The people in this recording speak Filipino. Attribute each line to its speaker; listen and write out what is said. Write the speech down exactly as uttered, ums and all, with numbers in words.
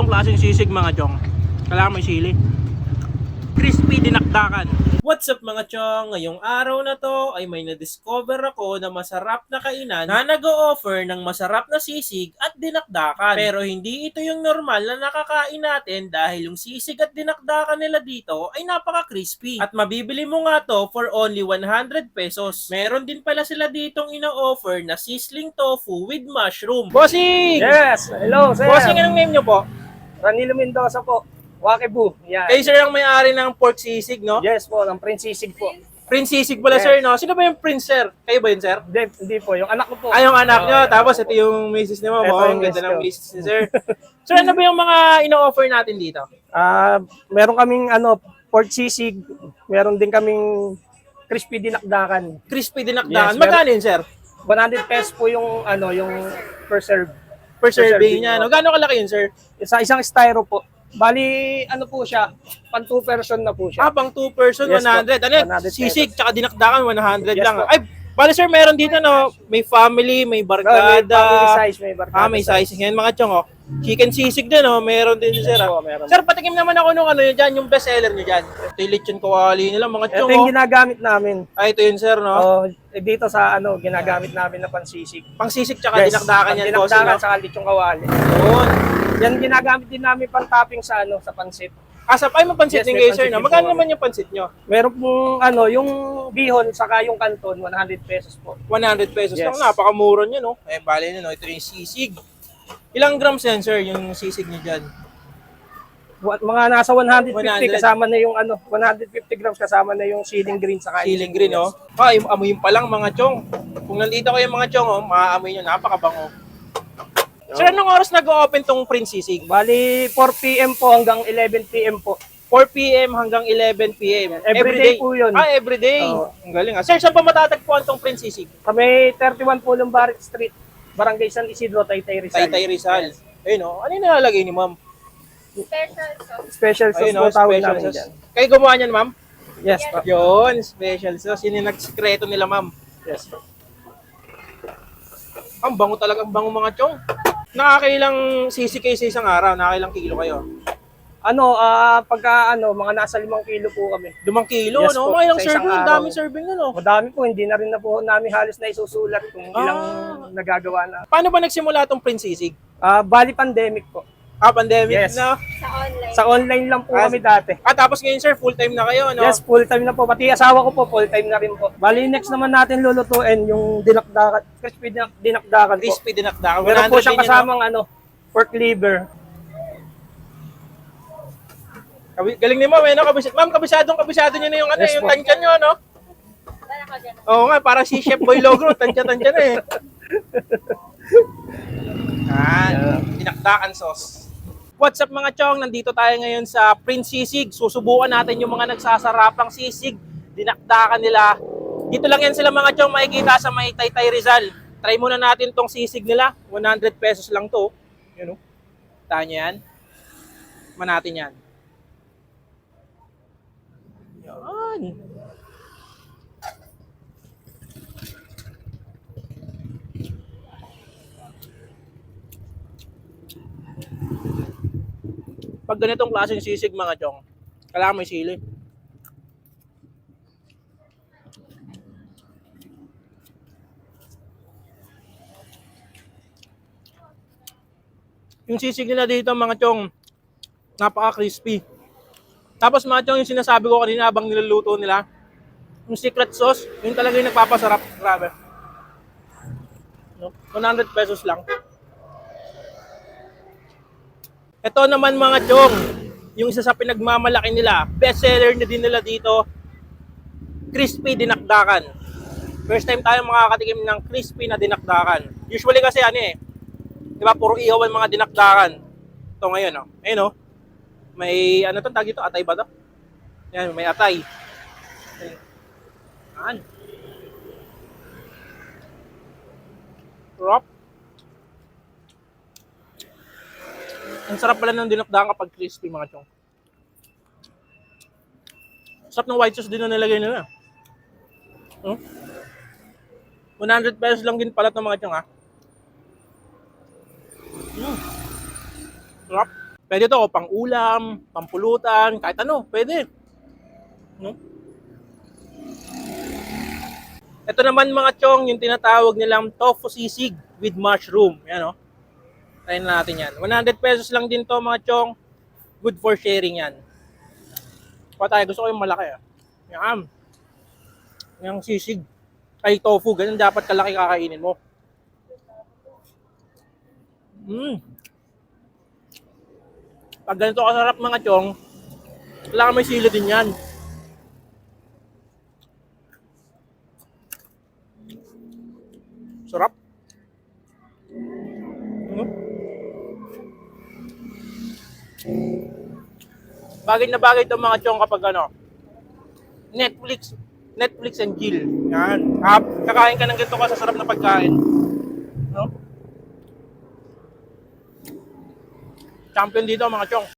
Speaker 1: ganitong klaseng sisig mga chong, kailangan may sili. Crispy dinakdakan. What's up mga chong? Ngayong araw na to ay may na-discover ako na masarap na kainan na nag-o-offer ng masarap na sisig at dinakdakan. Pero hindi ito yung normal na nakakain natin dahil yung sisig at dinakdakan nila dito ay napaka-crispy. At mabibili mo nga to for only one hundred pesos. Meron din pala sila ditong ina-offer na sizzling tofu with mushroom. Bossing!
Speaker 2: Yes! Hello, sir!
Speaker 1: Bossing, anong name nyo po?
Speaker 2: Ranilo Mendoza po. Wakibu. Yan.
Speaker 1: Kayo sir ang may-ari ng pork sisig, no?
Speaker 2: Yes po, ng Prince Sisig po.
Speaker 1: Prince sisig pala
Speaker 2: Yes.
Speaker 1: sir, no? Sino ba yung prince sir? Kayo ba yun sir?
Speaker 2: Hindi, hindi po. Yung anak ko po.
Speaker 1: Ay, yung anak
Speaker 2: Oo,
Speaker 1: nyo.
Speaker 2: yan.
Speaker 1: Tapos ito yung misis niyo mo.
Speaker 2: Ito
Speaker 1: Oh,
Speaker 2: yung
Speaker 1: ang ganda
Speaker 2: misis
Speaker 1: ng
Speaker 2: ko.
Speaker 1: misis ni sir. Sir, ano ba yung mga ino-offer natin dito?
Speaker 2: Ah, meron kaming ano, pork sisig. Meron din kaming crispy dinakdakan.
Speaker 1: Crispy dinakdakan.
Speaker 2: Yes,
Speaker 1: Magkano yun sir?
Speaker 2: one hundred pesos po yung ano, yung per serve.
Speaker 1: Per serving
Speaker 2: serving,
Speaker 1: niya. No?
Speaker 2: no?
Speaker 1: Gano'ng kalaki yun sir?
Speaker 2: Sa isang styro po. Bali, ano po siya, pan two person na po siya.
Speaker 1: Ah, pang two person,
Speaker 2: Yes,
Speaker 1: one hundred.
Speaker 2: po.
Speaker 1: Ano yun?
Speaker 2: one hundred
Speaker 1: Sisig, tsaka dinakdakan, one hundred
Speaker 2: Yes,
Speaker 1: lang.
Speaker 2: po.
Speaker 1: Ay, bali sir, meron dito no? May family, may
Speaker 2: No, may
Speaker 1: barkada.
Speaker 2: family size, may barkada
Speaker 1: Ah, may
Speaker 2: size.
Speaker 1: sizing. Ngayon mga chong, oh. Chicken sisig din, oh. Meron din sir.
Speaker 2: Yes
Speaker 1: ah.
Speaker 2: po, meron.
Speaker 1: Sir, patikim naman ako nung ano yun dyan, yung best seller nyo dyan. Ito yung lechon kawali nila, mga
Speaker 2: Ito
Speaker 1: chong,
Speaker 2: yung
Speaker 1: oh.
Speaker 2: ginagamit namin.
Speaker 1: Ay, ito yun sir, no?
Speaker 2: Oh, eh, dito sa ano, ginagamit namin na pansisig.
Speaker 1: Pang sisig tsaka dinakdakan yan, boss.
Speaker 2: Dinakdakan
Speaker 1: No?
Speaker 2: sa lechong kawali.
Speaker 1: Yun.
Speaker 2: Yan ginagamit din namin pang topping sa ano, sa pansit.
Speaker 1: Asap, ay, mapansit
Speaker 2: Yes,
Speaker 1: din
Speaker 2: may
Speaker 1: kayo, sir,
Speaker 2: pansit
Speaker 1: no?
Speaker 2: din
Speaker 1: Magkano
Speaker 2: po
Speaker 1: naman yung pansit nyo?
Speaker 2: Meron pong ano, yung bihon saka yung kanton, one hundred pesos po.
Speaker 1: one hundred pesos
Speaker 2: Yes.
Speaker 1: lang, napakamura nyo, no? Eh, bali nyo, no? Ito yung sisig. Ilang grams yan, sir, yung sisig nyo dyan?
Speaker 2: Wa- Mga nasa one hundred fifty
Speaker 1: one hundred.
Speaker 2: kasama na yung ano, one hundred fifty grams kasama na yung ceiling green saka yung
Speaker 1: Siling green, oh. Ah, yung amoy pa lang, mga chong. Kung nandito kayo, mga chong, oh, maaamoy nyo, napakabango. Sir, anong oras nag-open tong Prince Sisig?
Speaker 2: Bali four p m po hanggang eleven p m po.
Speaker 1: four p m hanggang eleven p m
Speaker 2: Everyday po yun.
Speaker 1: Ah, everyday.
Speaker 2: Oo.
Speaker 1: Ang galing, ah. Sir, saan pa matatagpuan tong Prince Sisig?
Speaker 2: Kami thirty-one Pulong Barit Street, Barangay San Isidro, Taytay Rizal.
Speaker 1: Taytay Rizal. Ayun, oh. Ano yung nilalagay ni ma'am?
Speaker 2: Special sauce
Speaker 1: Ayun,
Speaker 2: po
Speaker 1: oh,
Speaker 2: tawag
Speaker 1: special
Speaker 2: namin
Speaker 1: sauce.
Speaker 2: dyan.
Speaker 1: Kayo gumawa niyan, ma'am?
Speaker 2: Yes po.
Speaker 1: Yun, special sauce. Yun yung nagsikreto nila, ma'am.
Speaker 2: Yes po.
Speaker 1: Ang bango talaga, ang bango mga chong. Nakakailang sisig kayo sa isang araw? Nakakailang kilo kayo?
Speaker 2: Ano, ah pagka ano, mga nasa limang kilo po kami.
Speaker 1: Lumang kilo,
Speaker 2: Yes
Speaker 1: no?
Speaker 2: po,
Speaker 1: Mga ilang
Speaker 2: sa isang
Speaker 1: serving, ang
Speaker 2: araw.
Speaker 1: daming serving, ano?
Speaker 2: Madami po, hindi na rin na po namin halos na isusulat kung ilang
Speaker 1: Ah.
Speaker 2: nagagawa na.
Speaker 1: Paano ba nagsimula tong Prince Sisig?
Speaker 2: Ah, bali pandemic po.
Speaker 1: Ah, pandemic
Speaker 2: Yes.
Speaker 1: na.
Speaker 2: Sa online lang po
Speaker 1: Ah,
Speaker 2: kami dati.
Speaker 1: Ah, tapos ngayon, sir, full-time na kayo, no?
Speaker 2: Yes, full time na po. Pati asawa ko po, full time na rin po. Bali, next naman natin lulutuin yung dinakdakan, crispy dinak- dinakdakan po.
Speaker 1: Crispy dinakdakan.
Speaker 2: Meron po siyang
Speaker 1: din yun, no?
Speaker 2: kasamang ano, pork liver.
Speaker 1: Kabi- Galing ni ma'am, eh, no? Kabis- ma'am, kabisadong kabisado nyo na yung, ano,
Speaker 2: Yes,
Speaker 1: yung
Speaker 2: po.
Speaker 1: tansyan nyo, no? Oo nga, para si Chef Boy Logro, tansya-tansya na eh. Ah, dinakdakan sauce. What's up mga chong? Nandito tayo ngayon sa Prince Sisig. Susubukan natin yung mga nagsasarapang sisig. Dinakdakan nila. Dito lang yan sila mga chong makikita sa may Taytay Rizal. Try muna natin tong sisig nila. one hundred pesos lang to. Yun o. Tahan nyo yan. Man natin yan. Yan. Pag ganitong klaseng sisig mga chong, kailangan may sili. Yung sisig nila dito mga chong, napaka-crispy. Tapos mga chong, yung sinasabi ko kanina habang niluluto nila, yung secret sauce, yun talaga yung nagpapasarap. Grabe. No? one hundred pesos lang. Ito naman mga chong, yung isa sa pinagmamalaki nila, best seller na din nila dito, crispy dinakdakan. First time tayo makakatikim ng crispy na dinakdakan. Usually kasi ano eh, di ba puro ihaw ang mga dinakdakan. Ito ngayon oh, ayun oh, may ano to tag ito, atay ba to? Yan, may atay. Yan. Sarap. Ang sarap pala ng dinakdakan kapag crispy mga chong. Sarap ng white sauce din na nilagay nila. Hmm? one hundred pesos lang din pala ito mga chong ha. Hmm. Sarap. Pwede to pang ulam, pampulutan, kahit ano, pwede. No? Ito naman mga chong, yung tinatawag nilang tofu sisig with mushroom. Yan o. Try na natin yan. one hundred pesos lang din to mga chong. Good for sharing yan. Pa tayo, gusto ko yung malaki. Ah. Yan. Yung sisig. Ay, tofu. Ganun dapat kalaki kakainin mo. Mm. Pag ganito kasarap mga chong, kailangan may sili din yan. Sarap. Mm. Bagay na bagay itong mga chong kapag ano, Netflix, Netflix and chill. Yan. Ah, kakain ka ng ganito ka sa sarap na pagkain. No? Champion dito mga chong.